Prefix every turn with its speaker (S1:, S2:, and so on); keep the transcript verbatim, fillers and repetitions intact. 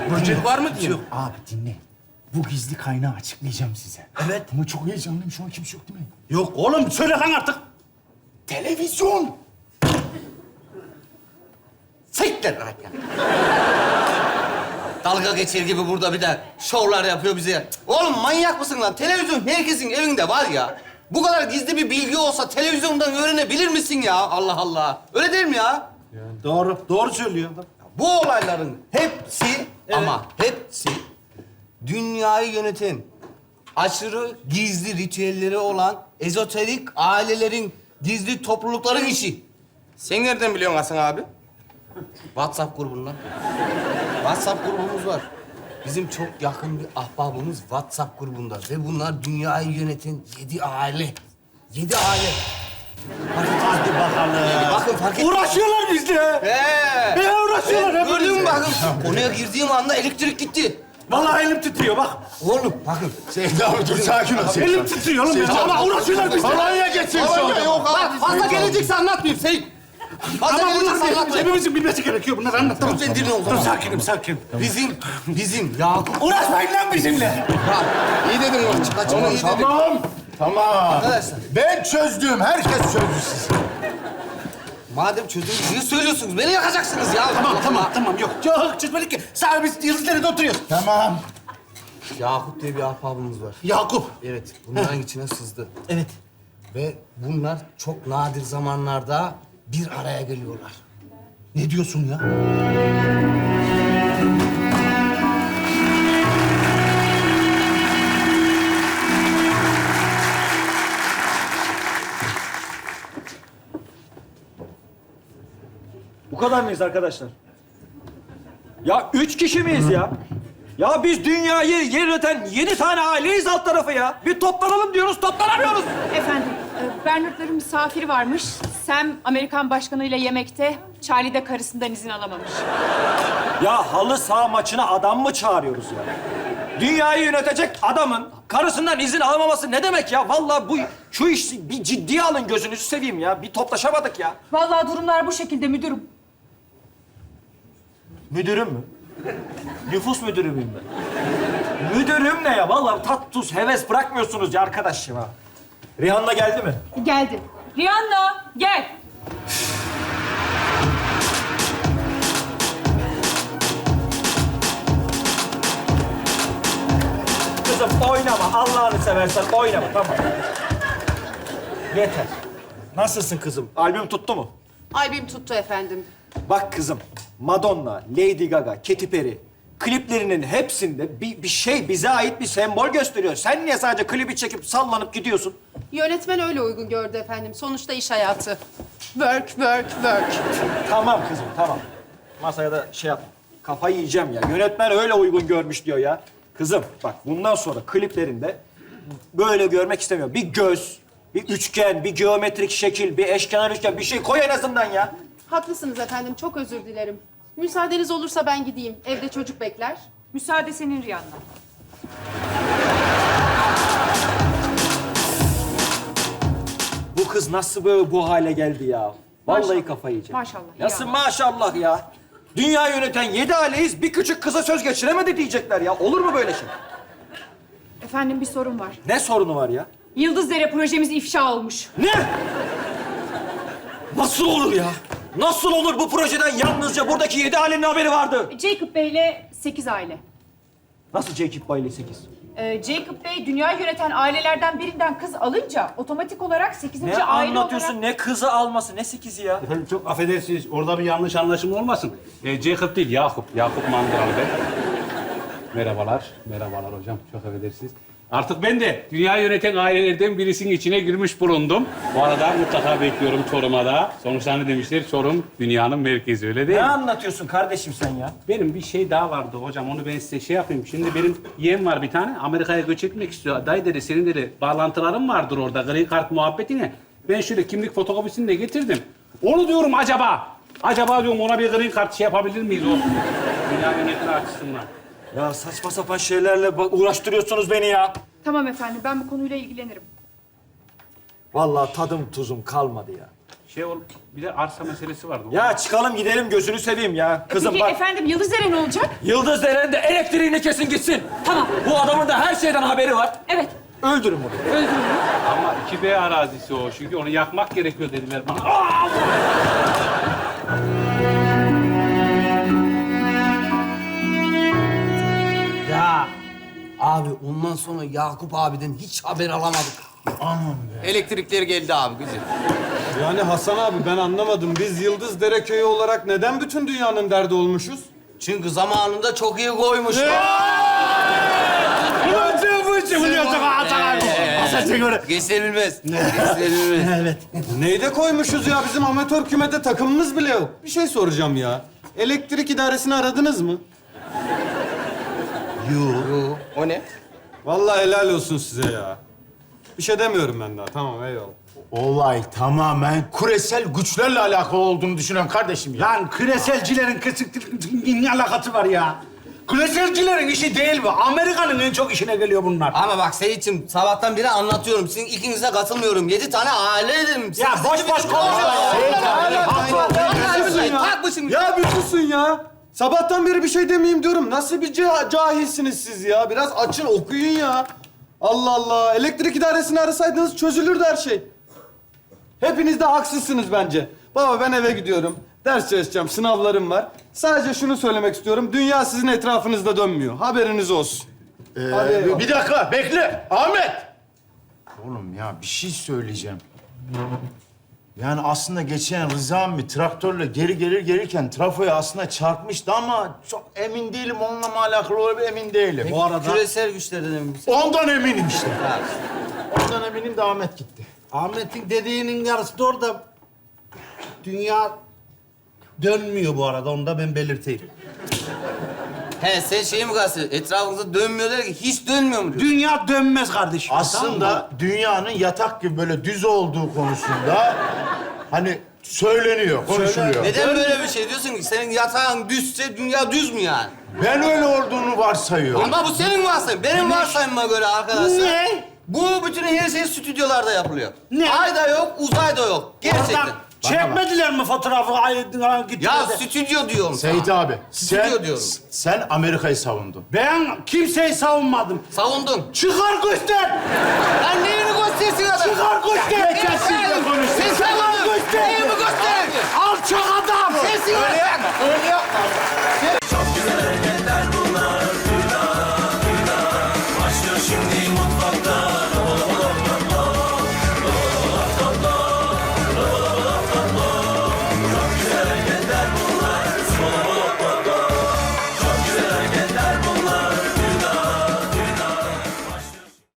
S1: Böcek var mı diyor.
S2: Yok abi dinle. Bu gizli kaynağı açıklayacağım size.
S1: Evet.
S2: Ama çok heyecanlıyım. Şu an kimse yok değil mi?
S1: Yok oğlum söyle lan artık.
S2: Televizyon.
S1: Siktir lan ya. Dalga geçer gibi burada bir de şovlar yapıyor bize. Oğlum manyak mısın lan? Televizyon herkesin evinde var ya. Bu kadar gizli bir bilgi olsa televizyondan öğrenebilir misin ya? Allah Allah. Öyle değil mi ya?
S3: Doğru, doğru söylüyor.
S1: Bu olayların hepsi ama hepsi dünyayı yöneten aşırı gizli ritüelleri olan ezoterik ailelerin gizli toplulukların işi. Sen nereden biliyorsun Hasan abi? WhatsApp grubundan. WhatsApp grubumuz var. Bizim çok yakın bir ahbabımız WhatsApp grubunda ve bunlar dünyayı yöneten yedi aile. Yedi aile.
S3: Hadi bakalım.
S1: Bakın fark et.
S3: Uğraşıyorlar bizle.
S1: He.
S3: Ne uğraşıyorlar
S1: Evet,
S3: hep
S1: gördün mü
S3: bizle.
S1: bakın? Konuya girdiğim anda elektrik gitti.
S3: Vallahi elim titriyor bak.
S1: Oğlum bakın.
S2: Seyit abi dur sakin ol. Seyit
S3: Elim
S2: abi.
S3: titriyor oğlum.
S2: Seyit
S3: ya.
S2: abi.
S3: Ama uğraşıyorlar bizle.
S2: Alanya geçsin şu anda.
S1: Yok abi. Fazla gelecekse anlatmayayım Seyit. Fazla
S3: Ama
S1: gelecekse
S3: bunlar
S1: anlatmayayım.
S3: hepimizin bilmesi gerekiyor. Bunları anlat tamam.
S1: Sen dinle o
S3: Dur
S1: zaman.
S3: sakinim sakin.
S1: Bizim, bizim Yakup.
S3: Uğraşmayın lan bizimle.
S1: Ha, iyi dedin oğlum. Kaç onu iyi dedin.
S2: Tamam. Tamam.
S1: Arkadaşlar.
S2: Ben çözdüm. Herkes çözdü sizi.
S1: Madem çözdünüz, niye söylüyorsunuz? Beni yakacaksınız ya.
S3: Tamam tamam tamam yok. Yok çözmedik ki. Sadece biz Yıldızlar'da oturuyoruz.
S2: Tamam.
S1: Yakup diye bir ahbabımız var.
S3: Yakup.
S1: Evet, bunların içine sızdı.
S3: Evet.
S1: Ve bunlar çok nadir zamanlarda bir araya geliyorlar.
S3: Ne diyorsun ya?
S4: Bu kadar mıyız arkadaşlar? Ya üç kişi miyiz ya? Ya biz dünyayı yöneten yedi tane aileyiz alt tarafı ya. Bir toplanalım diyoruz, toplanamıyoruz.
S5: Efendim, e, Bernard'ların misafiri varmış. Sam Amerikan başkanıyla yemekte, Charlie de karısından izin alamamış.
S4: Ya halı saha maçına adam mı çağırıyoruz ya? Dünyayı yönetecek adamın karısından izin alamaması ne demek ya? Vallahi bu şu işi bir ciddiye alın, gözünüzü seveyim ya. Bir toplaşamadık ya.
S5: Vallahi durumlar bu şekilde müdürüm.
S4: Müdürüm mü? Nüfus müdürü müyüm ben? Müdürüm ne ya? Vallahi tat tuz heves bırakmıyorsunuz ya arkadaşım ha. Rihanna geldi mi?
S5: Geldi. Rihanna, gel.
S4: Kızım oynama. Allah'ını seversen oynama. Tamam. Yeter. Nasılsın kızım? Albüm tuttu mu?
S6: Albüm tuttu efendim.
S4: Bak kızım, Madonna, Lady Gaga, Katy Perry kliplerinin hepsinde bir, bir şey bize ait bir sembol gösteriyor. Sen niye sadece klibi çekip sallanıp gidiyorsun?
S6: Yönetmen öyle uygun gördü efendim. Sonuçta iş hayatı. Work, work, work.
S4: Tamam kızım, tamam. Masaya da şey yap. Kafayı yiyeceğim ya. Yönetmen öyle uygun görmüş diyor ya. Kızım bak bundan sonra kliplerinde böyle görmek istemiyorum. Bir göz, bir üçgen, bir geometrik şekil, bir eşkenar üçgen bir şey koy en azından ya.
S6: Haklısınız efendim. Çok özür dilerim. Müsaadeniz olursa ben gideyim. Evde çocuk bekler.
S5: Müsaade senin Rihanna.
S4: Bu kız nasıl böyle bu hale geldi ya? Vallahi
S5: Maşallah.
S4: kafayı yiyeceğim.
S5: Maşallah,
S4: Nasıl
S5: ya.
S4: maşallah ya? Dünya yöneten yedi aileyiz, bir küçük kıza söz geçiremedi diyecekler ya. Olur mu böyle şey?
S5: Efendim bir sorun var.
S4: Ne sorunu var ya?
S5: Yıldızdere projemiz ifşa olmuş.
S4: Ne? Nasıl olur ya? Nasıl olur bu projeden yalnızca buradaki yedi ailenin haberi vardı?
S5: Jacob Bey'le sekiz aile.
S4: Nasıl Jacob Bailey sekiz?
S5: Ee, Jacob Bey dünya yöneten ailelerden birinden kız alınca otomatik olarak sekizinci
S4: Ne
S5: aile
S4: anlatıyorsun?
S5: olarak...
S4: Ne kızı alması, ne sekizi ya?
S3: Efendim çok affedersiniz. Orada bir yanlış anlaşılma olmasın. Ee, Jacob değil, Yakup. Yakup Mandıralı ben. Merhabalar. Merhabalar hocam. Çok affedersiniz. Artık ben de dünya yöneten ailelerden birisinin içine girmiş bulundum. Bu arada mutlaka bekliyorum Çorum'a da. Sonuçta ne demişler? Çorum dünyanın merkezi, öyle değil
S4: Ne
S3: mi?
S4: anlatıyorsun kardeşim sen ya?
S3: Benim bir şey daha vardı hocam. Onu ben size şey yapayım. Şimdi benim yeğen var bir tane. Amerika'ya göç etmek istiyor. Dayı dedi, senin dedi bağlantıların vardır orada. Green Card muhabbetine. Ben şöyle kimlik fotokopisini de getirdim. Onu diyorum acaba. Acaba diyorum ona bir Green Card şey yapabilir miyiz o? Dünya yönetimi açısından.
S4: Ya saçma sapan şeylerle bak- uğraştırıyorsunuz beni ya.
S5: Tamam efendim, ben bu konuyla ilgilenirim.
S4: Vallahi tadım tuzum kalmadı ya.
S3: şey ol, bir de arsa meselesi vardı.
S4: Ya çıkalım gidelim gözünü seveyim ya. Kızım
S5: Peki
S4: bak.
S5: efendim Yıldızlara ne olacak?
S4: Yıldız Deren'de elektriğini kesin gitsin.
S5: Tamam.
S4: Bu adamın da her şeyden haberi var.
S5: Evet.
S4: Öldürün bunu.
S3: Ama iki B arazisi o. Çünkü onu yakmak gerekiyor dediler bana.
S1: Ya abi ondan sonra Yakup abiden hiç haber alamadık.
S2: Aman be.
S1: Elektrikler geldi abi güzel.
S7: Yani Hasan abi ben anlamadım. Biz Yıldız Köyü olarak neden bütün dünyanın derdi olmuşuz?
S1: Çünkü zamanında çok iyi koymuş. Geçirilmez. Geçirilmez.
S7: Neyde koymuşuz ya? Bizim amatör kümede takımımız bile yok. Bir şey soracağım ya. Elektrik idaresini aradınız mı?
S1: Yo, o ne?
S7: Vallahi helal olsun size ya. Bir şey demiyorum ben daha. Tamam eyvallah.
S2: Olay tamamen küresel güçlerle alakalı olduğunu düşünen kardeşim ya.
S8: Lan küreselcilerin kısık ne alakası var ya? Küreselcilerin işi değil bu. Amerika'nın en çok işine geliyor bunlar.
S1: Ama bak Seyit'ciğim sabahtan beri anlatıyorum. Sizin ikinize katılmıyorum. Yedi tane aile dedim.
S8: Ya boş boş konuşma.
S1: Takmışım.
S7: Ya bir susun ya. Sabahtan beri bir şey demeyeyim diyorum. Nasıl bir ca- cahilsiniz siz ya? Biraz açın okuyun ya. Allah Allah. Elektrik idaresini arasaydınız çözülürdü her şey. Hepiniz de haksızsınız bence. Baba ben eve gidiyorum. Ders çalışacağım, sınavlarım var. Sadece şunu söylemek istiyorum. Dünya sizin etrafınızda dönmüyor. Haberiniz olsun.
S2: Ee,
S7: Hadi eyvallah.
S2: bir dakika bekle. Ahmet. Oğlum ya bir şey söyleyeceğim. Yani aslında geçen Rıza emmi traktörle geri gelir gelirken trafoya aslında çarpmıştı ama çok emin değilim. Onunla mı alakalı olabilir emin değilim.
S8: Bu arada
S1: Küresel güçlerden emin misin?
S2: Ondan eminim işte. Ondan eminim de Ahmet gitti.
S8: Ahmet'in dediğinin yarısı da orada. Dünya dönmüyor bu arada. Onu da ben belirteyim.
S1: He sen şeyi mi kalsın? Etrafınızda dönmüyor der ki hiç dönmüyor mu diyor?
S8: Dünya dönmez kardeşim. Tamam
S2: Aslında
S8: mı?
S2: dünyanın yatak gibi böyle düz olduğu konusunda hani söyleniyor, konuşuluyor.
S1: Neden böyle bir şey diyorsun ki? Senin yatağın düzse dünya düz mü yani?
S2: Ben öyle olduğunu varsayıyorum.
S1: Ama bu senin varsayım. Benim varsayımıma göre arkadaşlar.
S8: Ne?
S1: Bu bütün her şey stüdyolarda yapılıyor.
S8: Ne?
S1: Ayda yok, uzayda yok. Gerçekten.
S8: Oradan çekmediler mi fotoğrafı? Ay, gittiler
S1: Ya
S8: de.
S1: stüdyo diyorum
S2: Seyit
S1: sana.
S2: abi,
S1: Stüdyo
S2: sen,
S1: diyorum.
S2: sen Amerika'yı savundun.
S8: Ben kimseyi savunmadım.
S1: Savundun.
S8: Çıkar göster!
S1: Lan neyini göstersin adam?
S8: Çıkar göster!
S2: Geçensiyle konuştun.
S1: Sen savundun.
S8: göster!
S1: Neyimi gösterin?
S8: Alçak adam!
S1: Sensin öyle yapma. Öyle yapma. Sen